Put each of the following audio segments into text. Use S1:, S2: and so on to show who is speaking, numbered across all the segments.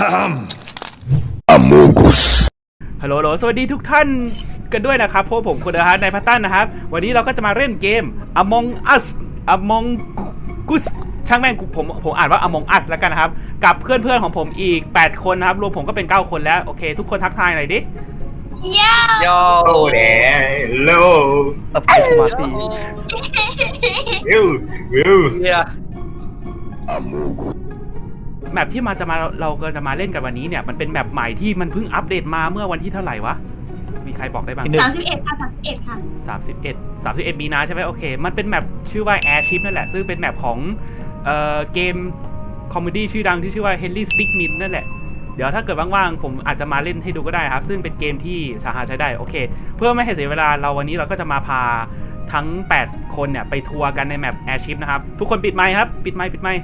S1: ฮัลโหลสวัสดีทุกท่านกันด้วยนะครับพวกผมคุณเดอะฮาร์ดในพัตตันนะครับวันนี้เราก็จะมาเล่นเกม Among Us ช่างแม่งผมอ่านว่า Among Us แล้วกันนะครับกับเพื่อนของผมอีก8คนนะครับรวมผมก็เป็น9คนแล้วโอเคทุกคนทักทายหน่อยดิ
S2: โย
S3: เดโล
S2: สเปซมาซี
S3: วิว
S1: แมปที่เราก็จะมาเล่นกันวันนี้เนี่ยมันเป็นแมปใหม่ที่มันเพิ่งอัปเดตมาเมื่อวันที่เท่าไหร่วะมีใครบอกได้บ้าง
S4: 31ค่ะ31ค่ะ
S1: 31มีนาใช่ไหมโอเคมันเป็นแมปชื่อว่า Airship นั่นแหละซึ่งเป็นแมปของเกมคอมเมดี้ชื่อดังที่ชื่อว่า Henry Stickmin นั่นแหละเดี๋ยวถ้าเกิดว่างๆผมอาจจะมาเล่นให้ดูก็ได้ครับซึ่งเป็นเกมที่สามารถใช้ได้โอเคเพื่อไม่ให้เสียเวลาวันนี้เราก็จะมาพาทั้ง8คนเนี่ยไปทัวร์กันในแมป Airship นะครับทุกคนปิดไมค์ครับปิดไมค์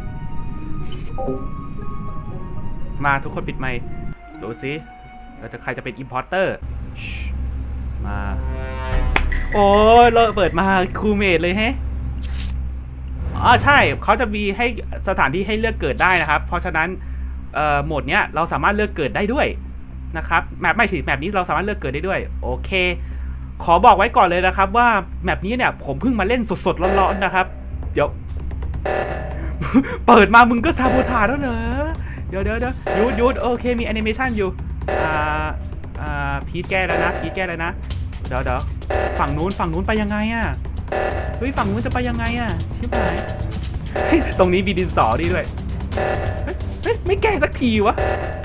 S1: มาทุกคนปิดไมค์ดูสิใครจะเป็น importer มาโอ้เราเปิดมาคูเมดเลยแฮะใช่เขาจะมีให้สถานที่ให้เลือกเกิดได้นะครับเพราะฉะนั้นโหมดเนี้ยเราสามารถเลือกเกิดได้ด้วยนะครับแมปนี้เราสามารถเลือกเกิดได้ด้วยโอเคขอบอกไว้ก่อนเลยนะครับว่าแมปนี้เนี่ยผมเพิ่งมาเล่นสดๆร้อนๆนะครับเดี๋ยว เปิดมามึงก็ซาโบทาแล้วเหรอเดี๋ยวหยุดโอเคมีแอนิเมชันอยู่พีทแก้แล้วนะเดี๋ยวฝั่งนู้นไปยังไงอ่ะเฮ้ยฝั่งนู้นจะไปยังไงอ่ะชิบหายตรงนี้มีดินสอดีด้วยเฮ้ยไม่แก้สักทีวะ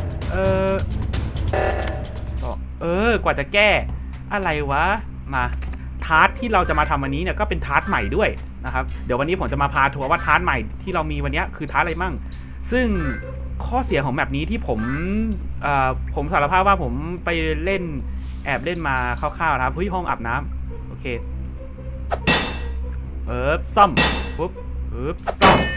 S1: กว่าจะแก้อะไรวะมาทาร์ทที่เราจะมาทำวันนี้เนี่ยก็เป็นทาร์ทใหม่ด้วยนะครับเดี๋ยววันนี้ผมจะมาพาทัวร์ว่าทาร์ทใหม่ที่เรามีวันนี้คือทาร์ทอะไรมั่งซึ่งข้อเสียของแบบนี้ที่ผมสารภาพว่าผมไปแอบเล่นมาคร่าวๆนะครับเฮ้ยห้องอาบน้ำโอเคซ่อมปุ๊บซ่อม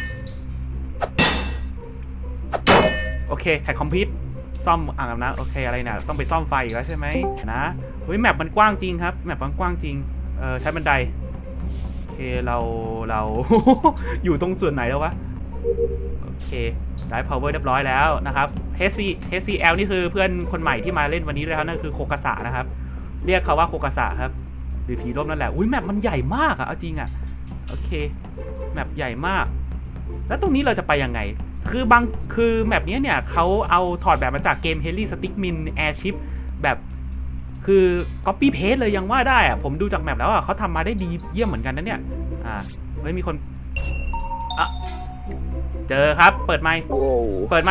S1: โอเคแท็กคอมพิวต์ซ่อมอ่างอาบน้ำโอเคอะไรเนี่ยต้องไปซ่อมไฟอีกแล้วใช่ไหมนะเฮ้ยแมปมันกว้างจริงครับแมปมันกว้างจริงใช้บันไดโอเคเรา อยู่ตรงส่วนไหนแล้ววะโอเคได้ power เรียบร้อยแล้วนะครับ HCL นี่คือเพื่อนคนใหม่ที่มาเล่นวันนี้เลยครับนั่นคือโคกาสะนะครับเรียกเขาว่าโคกาสะครับหรือผีร่มนั่นแหละอุ้ยแมปมันใหญ่มากอะเอาจริงอะโอเคแมปใหญ่มากแล้วตรงนี้เราจะไปยังไงคือแมปนี้เนี่ยเขาเอาถอดแบบมาจากเกม Henry Stickmin Airship แบบคือ copy paste เลยยังว่าได้อะผมดูจากแมปแล้วอะเขาทำมาได้ดีเยี่ยมเหมือนกันนะเนี่ยเฮ้ยมีคนเจอครับเปิดไมค์เดี๋ยว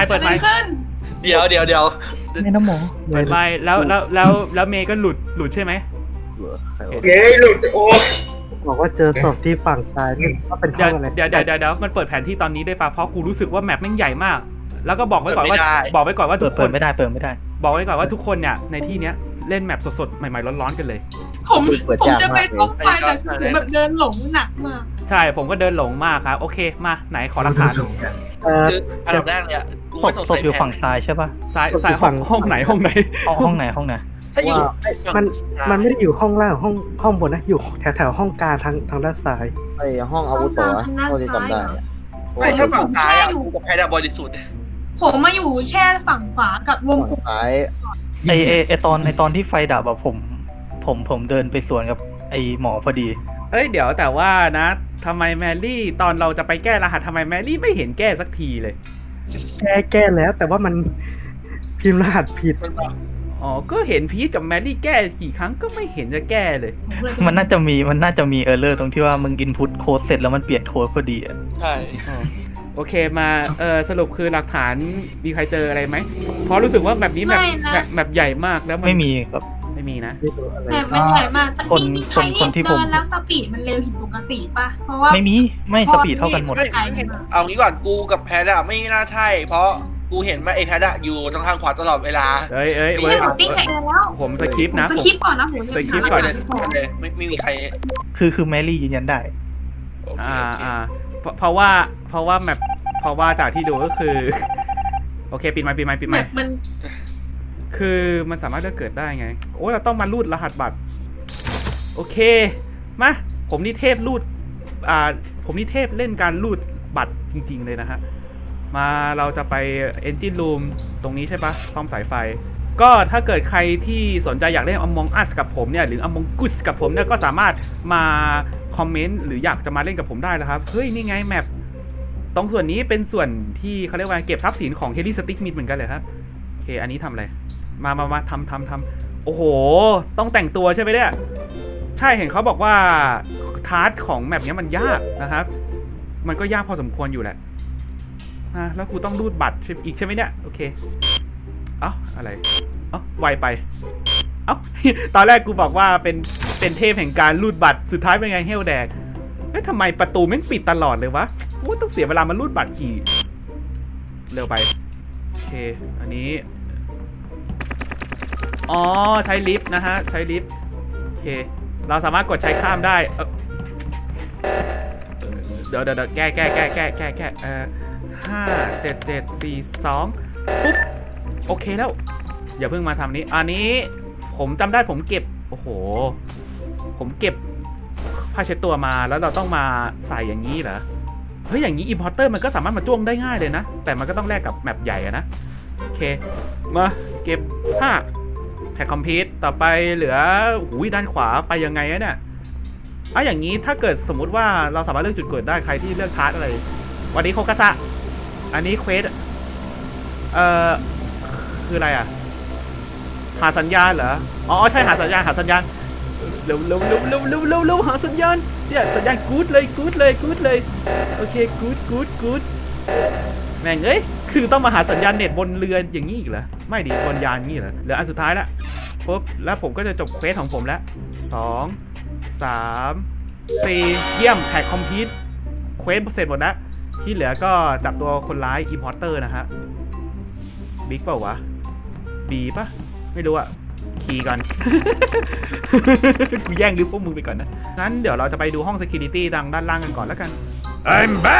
S2: ไม่น้ำหมอ
S1: เปิดไมค์แล้วเมย์ก็หลุดใช่ไหม
S3: หลุดโอ้
S2: บอกว่าเจอศพที่ฝั่งซ้ายนี่ก็เป็นห้องอะไร
S1: เดี๋ยวมันเปิดแผนที่ตอนนี้ได้ป่ะเพราะกูรู้สึกว่าแมปแม่งใหญ่มากแล้วก็บอกไว้ก่อนว่าทุกคน
S2: เปิดไม่ได้
S1: บอกไว้ก่อนว่าทุกคนเนี่ยในที่เนี้ยเล่นแมปสดๆใหม่ๆร้อนๆกันเลย
S4: ผมจะไปท็อปไฟแต่ผมแบบเดินหลงหนักมาก
S1: ใช่ผมก็เดินหลงมากครับโอเคมาไหนขอหลักฐาน
S5: อันดับแรกเนี่ย
S2: ศพอยู่ฝั่งซ้ายใช่ป่ะ
S1: ซ้ายห้องไหน
S2: ห้องไหน
S5: ถ้าอยู่
S2: มันไม่ได้อยู่ห้องล่างห้องบนนะอยู่แถวห้องกลางทางด้านซ้าย
S6: ไอ้ห้องอาวุโสะเท่าที่จำได้
S5: ไม่ถ้าฝั่งซ้ายอ่ะกับแพดบริสุทธิ์
S4: ผมมาอยู่แช่ฝั่งขวากับวงกลม
S6: ซ้าย
S2: ไอตอนที่ไฟดับอะผมเดินไปสวนกับไอหมอพอดี
S1: เดี๋ยวแต่ว่านะทำไมแมรี่ตอนเราจะไปแก้รหัสทำไมแมรี่ไม่เห็นแก้สักทีเลย
S2: แก้แล้วแต่ว่ามันพิมพ์รหัสผิด
S1: ก็เห็นพีทกับแมรี่แก้กี่ครั้งก็ไม่เห็นจะแก้เลย
S2: มันน่าจะมีเออร์เลอร์ตรงที่ว่ามึงอินพุตโค้ดเสร็จแล้วมันเปลี่ยนโค้ดพอดีอ่ะ
S5: ใช่
S1: โอเคมาสรุปคือหลักฐานมีใครเจออะไรไหมเพราะรู้สึกว่าแบบนี้แบบใหญ่มากแล้ว
S2: ไม่มีครับ
S1: ไม่มีนะ
S4: แบบมันใหญ่มากมีใครเดินแล้วสปีดมันเร็วผิดปกติป่ะเพราะว่า
S2: ไม่สปีดเท่ากันหมด
S5: เอางี้ก่อนกูกับแพดอะไม่น่าใช่เพราะกูเห็นว่าไอ้แพดอะอยู่ตรงทางขวาตลอดเวลา
S4: ผมติ้งใส่แล้ว
S1: ผมสคริปต์นะ
S4: สคริปต์ก่อนนะผม
S1: สคริปต์ก่อน
S5: ไม่มีใคร
S2: คือแมรี่ยืนยันได้
S1: เพราะว่าแมปเพราะว่าจากที่ดูก็คือโอเคปิดไมค์
S4: มัน
S1: คือมันสามารถจะเกิดได้ไงโอ้เราต้องมารูดรหัสบัตรโอเคมาผมนี่เทพเล่นการรูดบัตรจริงๆเลยนะฮะมาเราจะไป Engine Room ตรงนี้ใช่ปะซ่อมสายไฟก็ถ้าเกิดใครที่สนใจอยากเล่น Among Us กับผมเนี่ยหรือ Among Us กับผมเนี่ยก็สามารถมาคอมเมนต์หรืออยากจะมาเล่นกับผมได้นะครับเฮ้ยนี่ไงแมปตรงส่วนนี้เป็นส่วนที่เขาเรียกว่าเก็บทรัพย์สินของ Heli Stick Meat เหมือนกันเลยครับโอเคอันนี้ทำอะไรมาทำโอ้โหต้องแต่งตัวใช่ไหมเนี่ยใช่เห็นเขาบอกว่าทาร์ทของแมปนี้มันยากนะครับมันก็ยากพอสมควรอยู่แหละแล้วกูต้องรูดบัตรอีกใช่ไหมเนี่ยโอเคเอ้าอะไรเอ้าไวไปเอ้า ตอนแรกกูบอกว่าเป็นเทพแห่งการรูดบัตรสุดท้ายเป็นไงเฮลแดกเอ๊ะทำไมประตูแม่งปิดตลอดเลยวะโอ้ต้องเสียเวลามารูดบัตรกี่เร็วไปโอเคอันนี้อ๋อใช้ลิฟต์นะฮะใช้ลิฟต์โอเคเราสามารถกดใช้ข้ามได้เดี๋ยวแก้5 7 7 4 2ปุ๊บโอเคแล้วอย่าเพิ่งมาทำนี้อันนี้ผมจำได้ผมเก็บโอ้โหผมเก็บผ้าเช็ดตัวมาแล้วเราต้องมาใส่อย่างนี้เหรอเฮ้ยอย่างนี้ importer มันก็สามารถมาจ้วงได้ง่ายเลยนะแต่มันก็ต้องแลกกับแมปใหญ่อะนะโอเคมาเก็บ5แท็กคอมพิวต์ต่อไปเหลือหูยด้านขวาไปยังไงอะเนี่ยอย่างนี้ถ้าเกิดสมมุติว่าเราสามารถเลือกจุดเกิดได้ใครที่เลือกทาร์ทอะไรวันนี้โคกาซะอันนี้เควสคืออะไรอ่ะหาสัญญาณเหรออ๋อใช่หาสัญญาณเร็วหาสัญญาณเนี่ยสัญญาณกู๊ดเลยโอเคกู๊ดแม่งเอ้ยคือต้องมาหาสัญญาณเน็ตบนเรืออย่างนี้อีกเหรอไม่ดิบนยานงี้เหรอเหลืออันสุดท้ายละปุ๊บแล้วผมก็จะจบเควสของผมแล้ว2 3 4เยี่ยมแท็กคอมพิวต์เควสเสร็จหมดแล้วที่เหลือก็จับตัวคนร้าย importer นะฮะบิ๊กเปล่าวะบีป่ะไม่รู้อะคีย์ก่อน กูแย่งลิฟต์พวกมึงไปก่อนนะงั้นเดี๋ยวเราจะไปดูห้อง security ดังด้านล่างกันก่อนแล้วกัน I'm back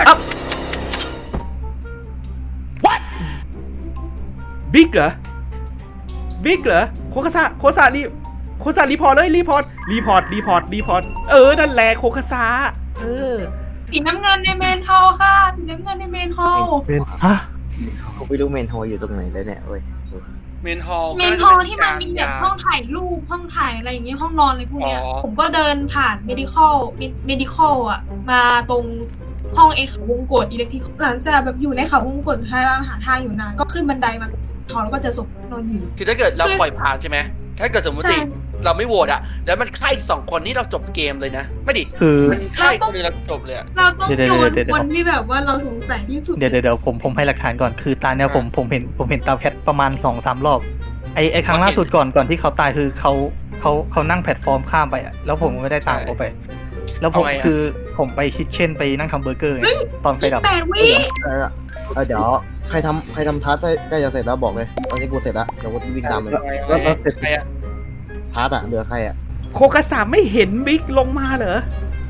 S1: What บิ๊กเหรอโคคาซารีพอร์ตเลยรีพอร์ตนั่นแหละโคคาซา
S4: สีน้ำเงินในเมนฮอลค่ะสีน้ำเงินในเมนฮอล
S2: ฮะ
S6: ผมไม่รู้เมนโฮอยู่ตรงไหนแล้วเนี่ยเว้ย
S5: เมนฮอล
S4: ที่มันมีแบบห้องถ่ายรูปห้องถ่ายอะไรอย่างเงี้ยห้องนอนอะไรพวกเนี้ยผมก็เดินผ่านเมดิคอลอ่ะมาตรงห้องเขาวงกตอิเล็กทริกหลังจากแบบอยู่ในเขาวงกตหาทางอยู่นานก็ขึ้นบันไดมาถอนแล้วก็เจอศพนอนอยู่
S5: คือถ้าเกิดเราปล่อยผ่านใช่ไหมถ้าเกิดสมมติเราไม่โหวตอะแล้วมันฆ่าอีก2 คนนี่เราจบเกมเลยนะไม่ดิมันฆ่าอีกคนนึงเราจบเลย
S4: เราต้องโยนคนที่แบบว่าเราสงสัยที่สุด
S2: เดี๋ยวผมให้หลักฐานก่อนคือตาเนี่ยผมเห็นตาแพทประมาณ 2-3 รอบไอครั้งล่าสุดก่อนที่เขาตายคือเขานั่งแพลตฟอร์มข้ามไปอะแล้วผมไม่ได้ตามเขาไปแล้วผมไปคิทเช่นไปนั่งทำเบอร์เกอร์ตอนไปดับ
S6: เดี๋ยวใครทำทัสใกล้จะเสร็จแล้วบอกเลยตอนนี้กูเสร็จแล้วเดี๋ยวกูวิ่งตามเลย
S5: แล้วเสร็จ
S6: ทัสเหลือใคร
S1: โคกาซาไม่เห็นบิ๊กลงมาเหรอ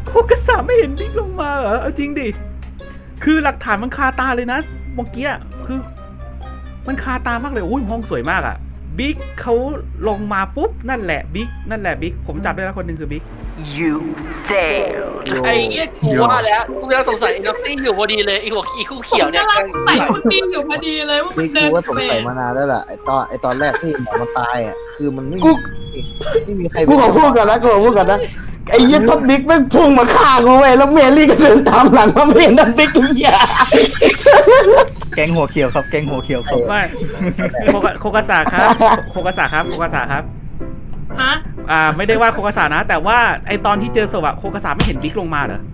S1: เอาจริงดิคือหลักฐานมันคาตาเลยนะเมื่อกี้คือมันคาตามากเลยอุ้ยห้องสวยมากอะบิ๊กเขาลงมาปุ๊บนั่นแหละบิ๊กผมจับได้แล้วคนหนึ่งคือบิ๊ก
S7: You failed
S5: ไอ้เงี้ยกูว่าแล้วกูยังสงสัยน็อตตี้อยู่พอดีเลยไอ้หัวขี้คู่เขียวเนี่ย
S4: กำลังใส่คุณปีอยู่พอดีเลยว่ามันเดิน
S6: กูว่าสงสัยมานานแล้วล่ะไอตอนแรกที่หมอมันตายอ่ะคือมันไม่มีใคร
S8: กูขอพูดก่อนนะไอ้ยี่ท็อปบิ๊กแม่งพุ่งมาฆ่ากูเว้ยแล้วเมลี่ก็เดินตามหลังมาไม่เห็นท็อปบิ๊กอีกอย่าง
S2: แก๊งหัวเขียวครับ
S1: ไม่โคกาซาครับ
S4: ฮะ
S1: ไม่ได้ว่าโคกาซานะแต่ว่าไอตอนที่เจอศพอะโคกาซาไม่เห็นบิ๊กลงมาเหรอ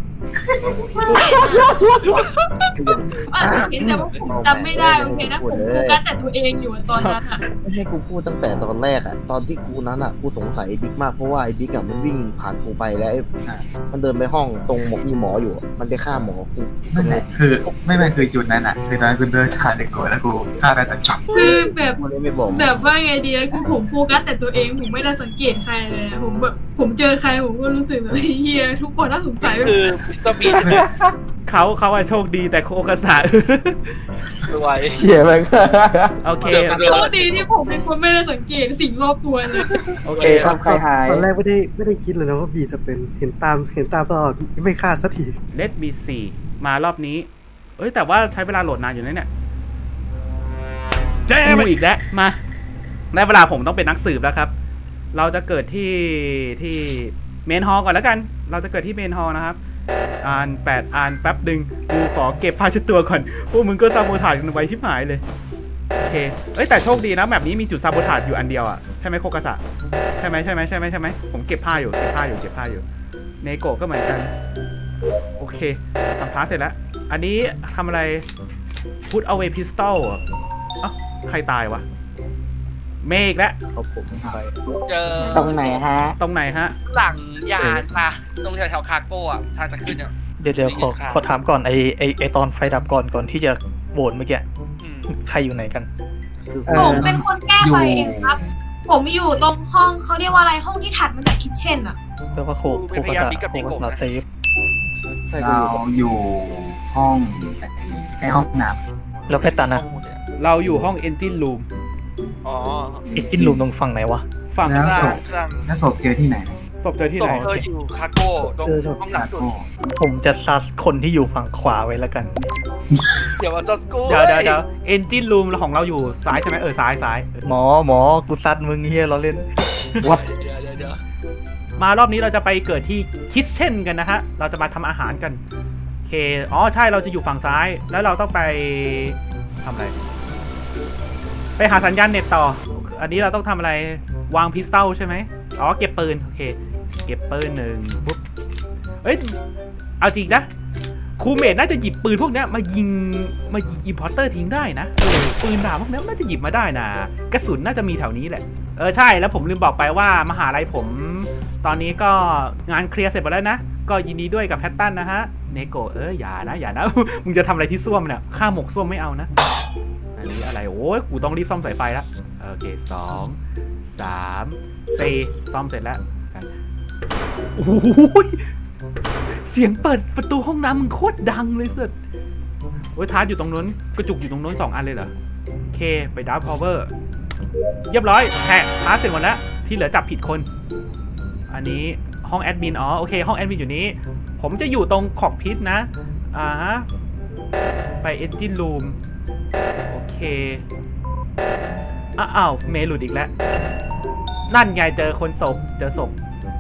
S4: เห็นแต่ว่าผมจำไม่ได้โอเคนะผมโฟกัสแต่ตัวเองอยู่ตอนนั้นอะ
S6: ไม่ให้กูพูดตั้งแต่ตอนแรกอะตอนที่กูนั้นอะกูสงสัยไอ้บิ๊กมากเพราะว่าไอ้บิ๊กอะมันวิ่งผ่านกูไปแล้วมันเดินไปห้องตรงมีหมออยู่มันไปฆ่าหมอกู
S8: นั่นแหละคือไม่คือจุดนั้นอะคือตอนนั้นกูเดินผ่านเด็กโกรธแล้วกูฆ่าได้แต่จับ
S4: คือแบบว่าไงดีคือผมโฟกัสแต่ตัวเองผมไม่ได้สังเกตใครเลยผมเจอใครผมก็รู้สึกแบบเฮียทุกคนน่าสงสัย
S5: คือตบี
S1: เขาโชคดีแต่โคกาซา
S8: เชี่ยมัน
S1: โอเค
S4: โชคดีที่ผมเป็นคนไม่ได้สังเกตสิ่งรอบตัวเลย
S1: โอเค
S8: ครับใครหาย
S9: ตอนแรกไม่ได้คิดเลยนะว่าบีจะเป็นเห็นตามตลอดไม่ฆ่าสักที
S1: เลดมี4มารอบนี้เอ้ยแต่ว่าใช้เวลาโหลดนานอยู่นะเนี่ยกูอีกแล้วมาได้เวลาผมต้องเป็นนักสืบแล้วครับ เราจะเกิดที่เมนฮอลก่อนแล้วกัน เราจะเกิดที่เมนฮอลนะครับอ่านแป๊บดึงกูขอเก็บผ้าเช็ดตัวก่อนพวกมึงก็ซาโบถาดกันไว้ชิบหายเลยโอเคเอ้ยแต่โชคดีนะแบบนี้มีจุดซาโบถาดอยู่อันเดียวอ่ะใช่ไหมโคกาสะใช่ไหมผมเก็บผ้าอยู่เนโกะก็เหมือนกันโอเคทำพาร์ทเสร็จแล้วอันนี้ทำอะไร put away pistol อ่ะเอ้าใครตายวะเมฆแล้ว
S6: เขาผมไป
S5: เจอ
S8: ตรงไหนฮะ
S1: ตรงไหนฮะ
S5: หลังยานปะตรงแถวๆคาโก้อะทางจะขึ้นอะ
S2: เดี๋ยวขอถามก่อนไอตอนไฟดับก่อนที่จะโหวตเมื่อกี้
S5: อืม
S2: ใครอยู่ไหนกัน
S6: คือ
S4: ผมเป็นคนแก้ไฟเองครับ ผมอยู่ตรงห้องเขาเรียกว่าอะไรห้องที่ถัดมาจากคิทเช่นอะ
S2: เรียกว่าโคกาสเซฟ
S6: ใช่ก็
S9: เรา
S6: อยู่
S9: อยู่ห้องในห้องน้
S2: แล้วแพทตันนะ
S1: เราอยู่ห้อง engine room
S5: อ๋อ
S2: อีกกินรูมตรงฝั่งไหนวะ
S1: ฝั่ง
S9: แล้ว
S5: ข้าง
S9: ศ
S5: ล่าง
S9: พ
S5: ข้าง
S9: แล้วศพเจอที่ไหน
S1: ศพเจอที่
S5: ตร
S1: ไหน
S5: งอยู่คาโก้ตรง
S9: เจอศพ
S5: ห้องหลังสุด
S2: ผมจะซัดคนที่อยู่ฝั่งขวาไว้แล้วกัน
S5: เดี๋ยวมาซัสกู
S1: เดี๋ยว engine room ของเราอยู่ซ้ายใช่ไหมซ้าย
S2: หมอกูซัดมึงเฮียเราเล่น
S5: เดี๋ยว
S1: มารอบนี้เราจะไปเกิดที่ kitchen กันนะฮะเราจะมาทำอาหารกันโอเคอ๋อใช่เราจะอยู่ฝั่งซ้ายแล้วเราต้องไปทำอะไรไปหาสัญญาณเน็ตต่ออันนี้เราต้องทำอะไรวางพิสตอลใช่ไหมอ๋อเก็บปืนโอเคเก็บปืนหนึ่งปุ๊บเอ้ยเอาจริงนะครูเมทน่าจะหยิบปืนพวกเนี้ยมายิงอิมพอร์เตอร์ทิ้งได้นะปืนดาบพวกเนี้ยน่าจะหยิบมาได้นะกระสุนน่าจะมีแถวนี้แหละใช่แล้วผมลืมบอกไปว่ามหาลัยผมตอนนี้ก็งานเคลียร์เสร็จหมดแล้วนะก็ยินดีด้วยกับแพตตันนะฮะเนโกะอย่านะ มึงจะทำอะไรที่ส้วมเนี่ยฆ่าหมกส้วมไม่เอานะอันนี้อะไรโอ้ยกูต้องรีบซ่อมสายไฟแล้วโอเค2 3 4ซ่อมเสร็จแล้วกันโอ้ยเสียงเปิดประตูห้องน้ำมึงโคตรดังเลยเสุดโอ้ยทาร์ตอยู่ตรงนู้นกระจุกอยู่ตรงนู้น2 อันเลยเหรอโอเคไปดาวพาวเวอร์เรียบร้อยแท็กทาร์ตเสร็จหมดแล้วที่เหลือจับผิดคนอันนี้ห้องแอดมินโอเคห้องแอดมินอยู่นี้ผมจะอยู่ตรงขอบพิษนะฮะไปเอนจินรูมโอเคอ้าวเมย์หลุดอีกแล้วนั่นไงเจอศพ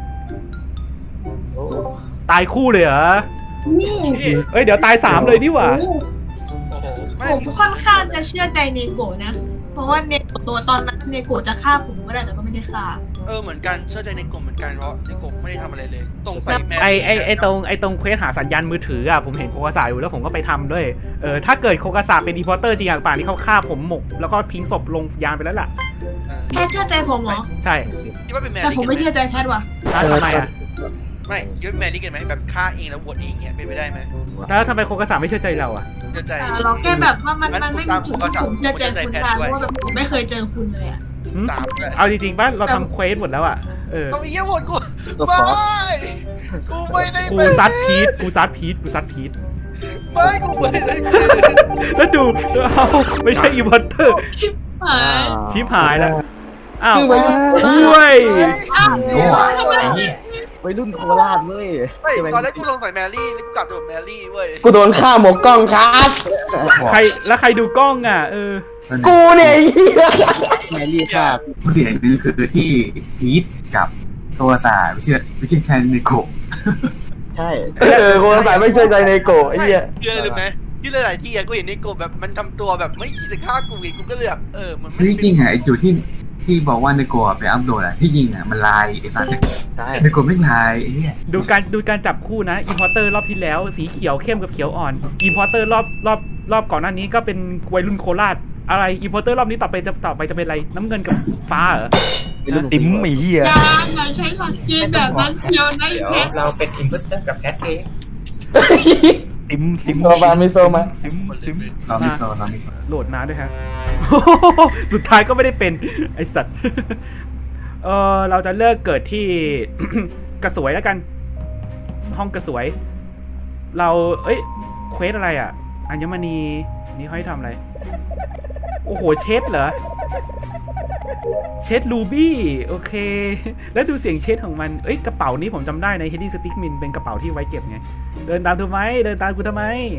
S1: ตายคู่เลยเหรอ
S4: นี่
S1: เอ้ยเดี๋ยวตาย3เลยดิหว่า
S5: โอ้โหไม่
S4: ผมค่อนข้างจะเชื่อใจเนโกะนะ เพราะว่าเนโกะตัวตอนนั้นเนโกะจะฆ่าผมก็ได้แต่ก็ไม่ได้ฆ่า
S5: เหมือนกันเชื่อใจในกลุ่มเหมือนกันเพราะในกลุ่มไม่ได้ทำอะไรเลยตรงไปแม
S1: ไอตรงเควสหาสัญญาณมือถืออ่ะผมเห็นโคกาสาอยู่แล้วผมก็ไปทำด้วยถ้าเกิดโคกาสาเป็นอีพอร์เตอร์จริงอย่างป่านนี้เขาฆ่าผมหมกแล้วก็ทิ้งศพลงยานไปแล้วล่ะ
S4: แพทเชื่อใจผมเหรอ
S1: ใช่
S5: คิดว่าเป็นแม
S4: แต่
S5: รี่
S4: ผมไม่เชื่อใจแพทว่ะ
S1: แล้วทำไมอ่ะ
S5: ไม่คิดว่าแมรี่กันไหมแบบฆ่าเองแล้วโหวตเองเงี้ยเป็นไปได้ไหม
S1: แล้วทำไมโคกาสาไม่เชื่อใจเราอ่ะ
S5: เชื่อใจ
S4: เราแค่แบบว่ามันไม่มีจุดที่ผมเชื่อใจคุณได้เพราะว่าแบบผมไม่เคยเจอคุณเลยอ่ะ
S5: ตามเลย
S1: เอาจริงๆป่ะเราทำเควสหมดแล้วอ่ะ
S5: เขาไปเยี่ยมโหวตกู
S6: ตัว
S5: ไม่
S6: ฟอส
S5: กูไม่ได้
S1: กูซัดพีท
S5: ไม่กูไม่ได้
S1: แล้วดูเอาไม่ใช่อีพอร์เตอร์
S4: หาย
S1: ชิบหายแล้วอ้าว
S6: คือวัยรุ่น
S1: ด้วย
S4: อ้าวทำไม
S6: วัยรุ่นโคราชเว้ย
S5: ไม่ตอนแรกกูสงสัยแมรี่แล้วกูกลับตัวแมรี่เว้ย
S8: กูโดนฆ่าหมกกล้องครับ
S1: ใครดูกล้องอ่ะ
S8: กูเนี่ยไอ้เหี้ย
S6: แมรี่ฆ่า
S9: ผู้เสียหนึ่งคือที่พีทกับตัวสาไม่เชื่อแคนในโกะ
S6: ใช่
S8: กูสายไม่เชื่อใจในโกะไอ้เหี้ย
S5: เชื่อเลยไหมที่หลายๆที่กูเห็นในกลุ่มแบบมันทำตัวแบบไม่คิดจะฆ่ากูอีกกูก็เลยแบบมันไม่
S9: จริงๆไอ้จุดที่บอกว่าในโกะไปอัพโหลดที่จริงมันลายไอ้สาร
S6: ใช่
S9: ในโกะไม่ลายไอ้เนี่ย
S1: ดูการจับคู่นะอินพอร์เตอร์รอบที่แล้วสีเขียวเข้มกับเขียวอ่อนอินพอร์เตอร์รอบก่อนหน้านี้ก็เป็นวัยรุ่นโคราชอะไรอินพอร์เตอร์รอบนี้ต่อไปจะเป็นอะไรน้ำเงินกับฟ้าเหรอ
S2: ติ๋มไอ้เหี้ย
S4: อย่าใช้หลักเกณฑ์แบบนั้นเชียวนะแพท
S3: เราเป็นอินพุตเตอร์กับแคทเอง
S2: ติ๋ม
S8: โซมาไม่โซมา
S9: เราไม่โซ
S1: โหลดนานด้วยฮะ สุดท้ายก็ไม่ได้เป็นไอสัตว์ เราจะเลิกเกิดที่ กระสวยแล้วกัน ห้องกระสวย เราเควสอะไรอ่ะอัญมณีนี่เขาให้ทำอะไรโอ้โหเช็ดเหรอเช็ดรูบี้โอเค แล้วดูเสียงเช็ดของมันกระเป๋านี้ผมจำได้ใน Hedy Stickmin เป็นกระเป๋าที่ไว้เก็บไงเดินตามกูทำไม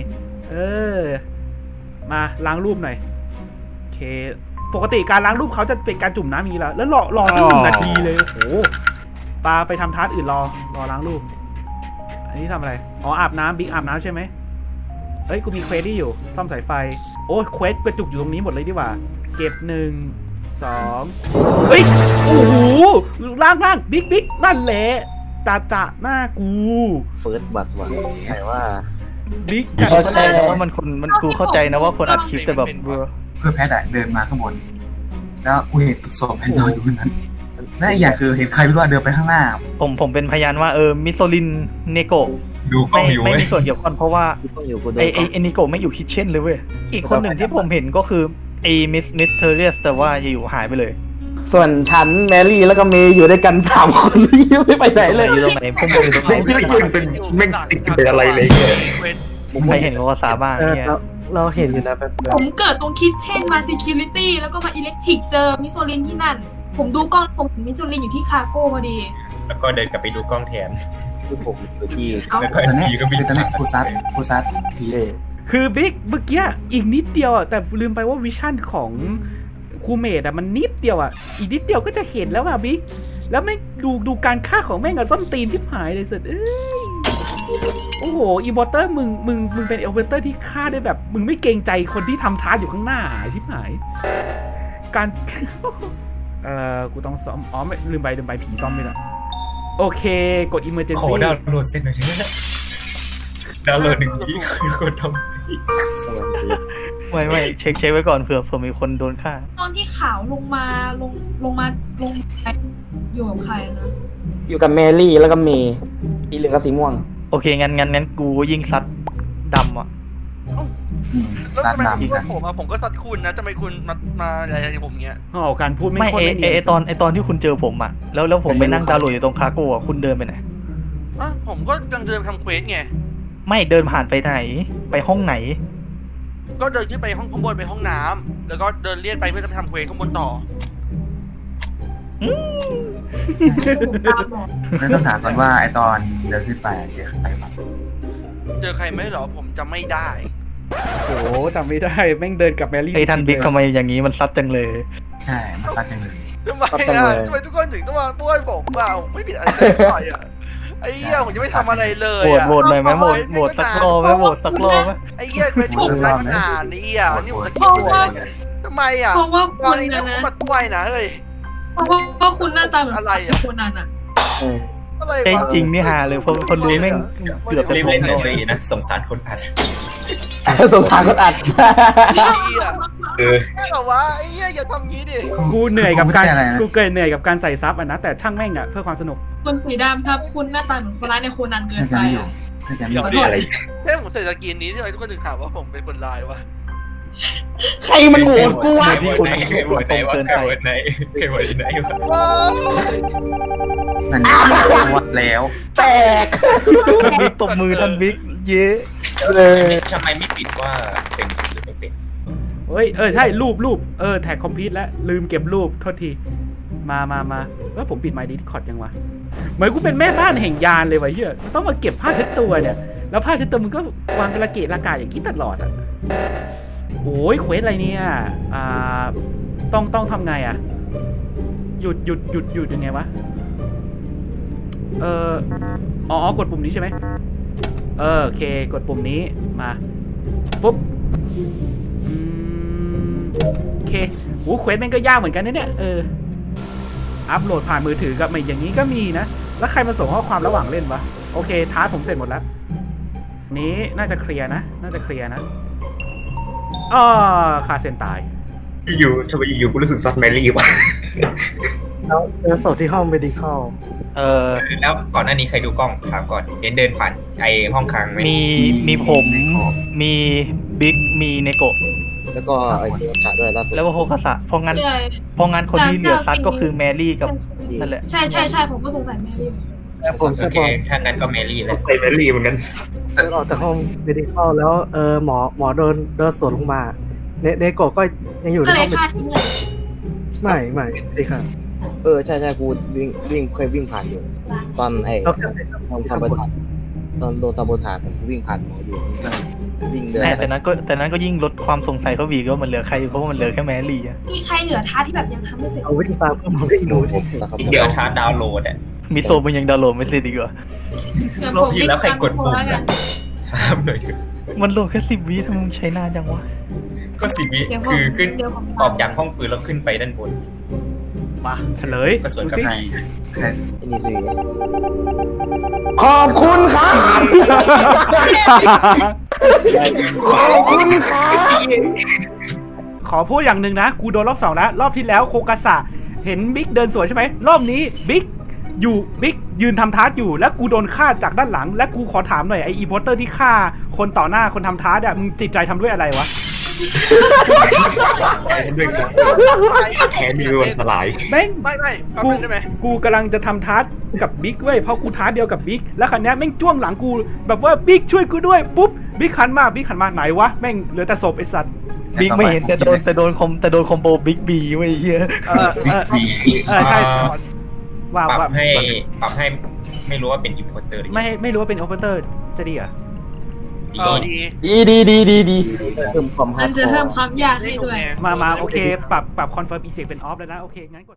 S1: มาล้างรูปหน่อยโอเคปกติการล้างรูปเขาจะเป็นการจุ่มน้ำอย่างนี้แล้วรอตั้ง1 นาทีเลยโอ้โหปาไปทำทาสอื่นรอล้างรูปอันนี้ทำอะไรอ๋ออาบน้ำบิ๊กอาบน้ำใช่ไหมเอ้ยกูมีเควสที่อยู่ซ่อมสายไฟโอ้ยเควสกระจุกอยู่ตรงนี้หมดเลยดีกว่าเก็บ1 2เฮ้ยโอ้โหล่างบิ๊กนั่นแหละจ่าหน้ากู
S6: เฟิร์สบัตรว่ะไหนว่า
S1: บิ๊ก
S2: เข้าใจนะว่ามันกูเข้าใจนะว่าคนอัดคลิปแต่แบบ
S9: เพื่อแพทย์อะเดินมาข้างบนแล้วกูเห็นศพไอ้นอนอยู่บนนั้นและอีกอย่างคือเห็นใครไม่รู้ว่าเดินไปข้างหน้า
S2: ผมเป็นพยานว่ามิโซลินเนโกะ
S9: ดูกล้องอยู่
S2: ไม่
S9: เว้ย
S2: มีส่วนเกี่ยวข้องเพราะว่า
S6: กูต้องอยู่กูโดน
S2: ไอนิโกะไม่อยู่คิทเช่นเลยเว้ยอีกคนหนึ่งที่ผมเห็นก็คือไอมิสเทอร์เรียสแต่ว่าอยู่หายไปเลย
S8: ส่วนฉันแมรี่แล้วก็เมย์อยู่ด้วยกัน3 คนยังไม่ไปไหนเลย
S2: อยู่ตรงไหนผมอยู่ตรงไหน
S3: ไม่ได้ยินเป็นแม่งติดเป็นอะไรเลยเนี่ย
S2: ใครเห็นก็ว่าสาบ้างเนี่ย
S8: เราเห็นอยู่นะแบบ
S4: ผมเกิดตรงคิดเช่นมา security แล้วก็มาอิเล็กทริกเจอมิโซลินที่นั่น ผมดูกล้องผมเห็นมิโซลินอยู่ที่คาโก้พอดี
S3: แล้วก็เดินกลับไปดูกล้องแทน
S6: คือผมอยู่ที่
S3: แล้วก็
S9: ตอนนี้
S3: ทีก็มี
S9: ตอนนี้กูซัดที
S1: คือบิ๊กเมื่อกี้อีกนิดเดียวอ่ะแต่ลืมไปว่าวิชั่นของครูเมดอ่ะมันนิดเดียวอ่ะอีกนิดเดียวก็จะเห็นแล้วอ่ะบิ๊กแล้วไม่ดูการฆ่าของแม่งกับส้นตีนที่หายเลยสุดโอ้โหอีบอเตอร์มึงเป็นเอลเวเตอร์ที่ฆ่าได้แบบมึงไม่เกรงใจคนที่ทำท้าอยู่ข้างหน้าชิบหายการ กูต้องซ่อมอ๋อไม่ลืมไปผีซ่อมไม่ละโอเคกด emergency
S3: ขอดาวน์โหลดเสร็จหน่อยเถอะดาวน์โหลด1 GB กดทำ
S2: ไม่เช็คไว้ก่อนเผื่อมีคนโดนฆ่า
S4: ตอนที่ขาวลงมาอยู่กับใครนะ
S8: อยู่กับแมรี่แล้วก็เมย์สีเหลืองกับสีม่วง
S2: โอเคงั้นกูยิงซัดดำอ่ะ
S5: แล้ว
S9: ซัด
S5: ทำไม
S9: ดำ
S5: คุณ
S9: กัน
S5: ผมอะผมก็ซัดคุณนะทำไมคุณมาอะไรผมเงี้ย
S1: อ๋อการพูดไม่
S2: ไม่
S1: ค่อยไม่เนียน
S2: ไอตอนที่คุณเจอผมอ่ะแล้วผมไปนั่งดาวน์โหลดอยู่ตรงคาโก้อ่ะคุณเดินไปไหน
S5: ผมก็ยังเดินทำเควสไง
S2: ไม่เดินผ่านไปไหนไปห้องไหน
S5: ก็เดินขึ้นไปห้องข้างบนไปห้องน้ำแล้วก็เดินเลียนไปเพื่อจะไปทำเควสข้างบนต่อ
S4: ผมตามหมอ
S9: แล้วต้องถามก่อนว่าไอตอนเดินขึ้นไปเจอใครบ้าง
S5: เจอใครไหมเหรอผมจำไม่ได้
S1: โอ้โหจำไม่ได้แม่งเดินกับแมรี่
S2: ไอท่านบิ๊กทำไมอย่างนี้มันซัดจังเลย
S9: ใช่มาซัดกันเลย
S5: ทำไมอ่ะทำไมทุกคนถึงต้องมาป้วนผมเปล่าไม่ผิดอะไรเลยอ่ะไอ้เหี้ยผมยังไม่ทำอะไรเลยอ่ะ
S2: โหวตหน่อยไหมโหวตสักรอบไหมโหวตสักรอบไหม
S5: ไอ้เหี้ยเป็นที่ผมได้มันอ่านนี่อ่ะนี่ผมจะคิดว่าทำไมอ่ะ
S4: เพราะว่า
S5: ตอ
S4: คุ
S5: น
S4: ณ
S5: นี้
S4: นะ
S5: ผม
S4: นะ
S5: มาด้วยนะเฮ้ย
S4: เพราะว่าคุณหน้าตาเหมือน
S5: อะไรอะ
S4: คนนั้นอ่ะ
S5: อะไร
S2: ใจ
S5: วะ
S2: จริงนี่ฮาเลยคนรู้แม่งเกือบจะ
S3: รีบ
S2: โด
S3: เล่น
S2: น
S3: หน่อยนะสงสารคนอัด
S8: สงสารคนอัด
S5: ไอ้เหี้ยไม่หรอวะไอ้เหี้ยอย่าทำงี้ดิ
S1: กูเหนื่อยกับการเหนื่อยกับการใส่ซับอ่ะนะแต่ช่างแม่งอ่ะเพื่อความสนุก
S4: คนสีดำครับ คุณหน้าตาเหมือนคนร้ายในโคนันเกิน
S9: น่าจะ
S4: ไป
S9: ไม่อยู่
S4: อะ
S9: น่าจะไม่อยู่
S5: เดี๋ยวอะไรแค่ผมใส่สกินนี้ทำไมทุกคนถึงถามว่าผมเป็นคนร้ายวะ
S8: ใครมันโหวตกูวะ
S3: ใครโหวตไหนวะใครโหวตไหนใครโหวตไหนวะ
S5: ว้าว
S9: มันวัดแล้ว
S8: แตก
S2: ท่านบิ๊กตบมือท่านบิ๊กเย้
S8: เลย
S3: ทำไมไม่ปิดว่าเป็นหรือไม่เป็น
S1: เฮ้ยใช่รูปแท็กคอมพิวต์แล้วลืมเก็บรูปโทษทีมาว่าผมปิดไมค์ดิสคอร์ดยังวะเหมือนกูเป็นแม่บ้านแห่งยานเลยวะเฮียต้องมาเก็บผ้าเช็ดตัวเนี่ยแล้วผ้าเช็ดตัวมึงก็วางเป็นระเกะระกาอย่างนี้ตลอดอ่ะโอ้ยเควสอะไรเนี่ยต้องทำไงอ่ะหยุดยังไงวะกดปุ่มนี้ใช่ไหมโอเคกดปุ่มนี้มาปุ๊บโอเคโหเควสแม่งก็ยากเหมือนกันนะเนี่ยอัพโหลดผ่านมือถือกับไม่อย่างนี้ก็มีนะแล้วใครมาส่งข้อความระหว่างเล่นวะโอเคท้าผมเสร็จหมดแล้วนี้น่าจะเคลียร์นะขาดเส้นตาย
S3: อยู่ทำไมอยู่กูรู้สึกซัดแมรี่วะ
S8: แล้วเจอศพที่ห้องเมดิคอล
S3: แล้วก่อนหน้านี้ใครดูกล้องถามก่อนเดินผ่านไอห้องค้างไหม
S2: มีผมมีบิ๊กมีเนโกะ
S6: แล้วก็ไอ้ตัวขาด้วยล่าสุด
S2: แล้วก็โฮคาสะเพราะงั้นคนที่เหลือซัดก็คือแมรี่กับนั่นแหละ
S4: ใช่ผมก็สงสัยแม่ดิว
S3: โอเคถ้างั้นก็แมรี่แล้วแมรี่เหมือนกัน
S8: เดินออกจากห้องเมดิคอลแล้วหมอเดินสวนลงมาเนโกะก็ยังอยู่ใน
S4: ก็เล
S8: ห้อย ง
S4: ฆ่าทิ้งเลย
S8: ไม่ดีค่ะ
S6: ใช่กูเคยวิ่งผ่านอยู่ ตอนไอ้ตอนซัมเบอร์ทันตอนโดนซาโบทากันกูวิ่งผ่านหมออยู่วิ่งเดิน
S2: แต่
S6: ไป
S2: นั้นก็ยิ่งลดความสงสัยเขาวีก็มันเหลือใครเพราะว่ามันเหลือแค่แมรี่อะ
S4: มีใครเหลือท้าที่แบบยังทำไม่เสร็จ
S2: เอาวิธีตาเพิ่มมาวิ่งดูสิ
S3: อีกเดียวท้าดาวน์โหลดอ่ะ
S2: มิโซะมันยังดาวน์โหลดไม่เสร็จดีกว่า
S4: เดี๋ยว
S3: ร
S4: ผ
S3: อบ
S4: ม
S3: ที่แล้วใครกดปุ่ม
S4: แล้วกั
S3: นะ
S4: น
S3: ถามหน่อยเถอะ
S2: มันโหลดแค่10 วิทำไมมึงใช้นานจังวะ
S3: ก็10 วิ
S4: เดี๋ยวผม
S3: คือขึ้น
S4: เดี๋ยวผม
S3: ออกจากห้องปืนแล้วขึ้นไปด้านบน
S1: มาเฉลย
S3: ก็สวน
S1: ดู
S3: กับ
S1: สิ
S3: ดี
S9: ใช่
S6: ไอ้นี่คือ
S8: ขอบคุณครับขอบคุณครับ
S1: ขอพูดอย่างหนึ่งนะ กูโดนรอบ 2 แล้ว รอบที่แล้วโคกาสะเห็นบิ๊กเดินสวนใช่ไหม รอบนี้บิ๊กยืนทำทาร์กอยู่ แล้วกูโดนฆ่าจากด้านหลัง และกูขอถามหน่อยไออีโพสเตอร์ที่ฆ่าคนต่อหน้าคนทำทาร์กอะมึงจิตใจทำด้วยอะไรวะ
S3: แค่มีวันสลาย
S1: แม่ง
S5: ไม่แป๊บนึงได้ไหม
S1: กูกำลังจะทำทาร์กกับบิ๊กเว้ยเพราะกูทาร์กเดียวกับบิ๊กแล้วคันนี้ยแม่งจ้วงหลังกูแบบว่าบิ๊กช่วยกูด้วยปุ๊บบิ๊กหันมาไหนวะแม่งเหลือแต่ศพไอสัตว์
S2: บิ๊กไม่เห็นแต่โดนคอมโบบิ๊กบีไว้เฮีย
S1: ใช่ว่า
S3: ปรับ
S1: ว่า
S3: ให้ไม่รู้ว่าเป็นอิมโพเตอร์หรือ
S1: ไม่รู้ว่าเป็นโอเปอเรเตอร์จะดีเหรอ
S5: ดี
S8: ดี
S6: เพิ่มความฮา
S4: มั
S6: ร์
S4: น
S6: ด
S4: จะ
S6: คอ
S4: เพิ่ม
S6: ร์
S4: ความยากให้ด้วย
S1: มาโอเคปรับคอนเฟิร์มอีเจกเป็นออฟแล้วนะโอเคงั้นกด